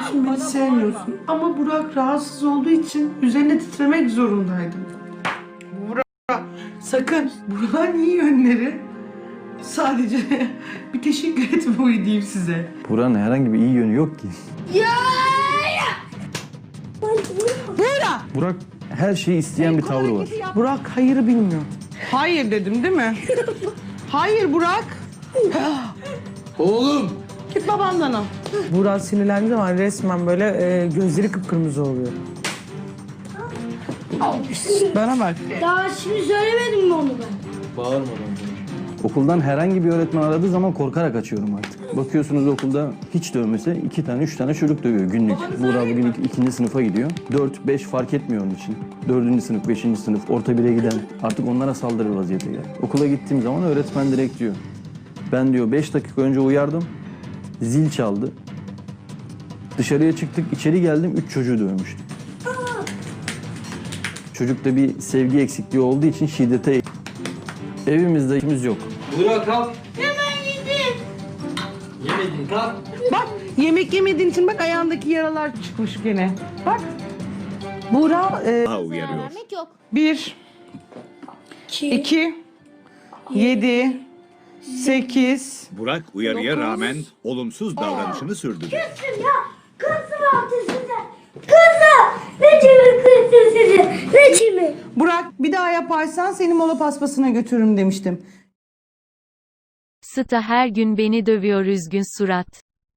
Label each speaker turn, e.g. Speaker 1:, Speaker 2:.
Speaker 1: için beni sevmiyorsun. Ama Burak rahatsız olduğu için üzerine titremek zorundaydım. Burak, sakın. Burak'ın iyi yönleri sadece bir teşekkür etme huyu diyeyim size.
Speaker 2: Buranın herhangi bir iyi yönü yok ki.
Speaker 1: Burak!
Speaker 2: Burak her şeyi isteyen bir tavrı var.
Speaker 1: Burak hayırı bilmiyor. Hayır dedim değil mi? Hayır Burak.
Speaker 3: Oğlum!
Speaker 1: Git babandan al. Burak sinirlendiği zaman resmen böyle gözleri kıpkırmızı oluyor. Bana bak.
Speaker 4: Daha şimdi söylemedim mi onu ben?
Speaker 3: Bağırmadan.
Speaker 2: Okuldan herhangi bir öğretmen aradığı zaman korkarak açıyorum artık. Bakıyorsunuz okulda hiç dövmese 2 tane 3 tane çocuk dövüyor günlük. Burak bugün 2. sınıfa gidiyor. 4-5 fark etmiyor onun için. 4. sınıf, 5. sınıf, orta 1'e giden artık onlara saldırır vaziyete geldi. Okula gittiğim zaman öğretmen direkt diyor. Ben diyor 5 dakika önce uyardım. Zil çaldı. Dışarıya çıktık, içeri geldim 3 çocuğu dövmüştüm. Çocukta bir sevgi eksikliği olduğu için şiddete evimizde işimiz yok.
Speaker 3: Burak kalk.
Speaker 4: Hemen gidin.
Speaker 3: Yemedin kalk.
Speaker 1: Bak yemek yemediğin için bak ayağındaki yaralar çıkmış gene. Bak. Burak
Speaker 5: uyarıyor.
Speaker 4: Vermek yok.
Speaker 1: 1, 2, 7, 8.
Speaker 5: Burak uyarıya rağmen olumsuz davranışını sürdürüyor.
Speaker 4: Kızım ya. Kızım altı size. Kızım. Ne çimi kızım sizi. Ne çimi.
Speaker 1: Burak bir daha yaparsan seni mola paspasına götürürüm demiştim.
Speaker 6: Sıta her gün beni dövüyor üzgün surat.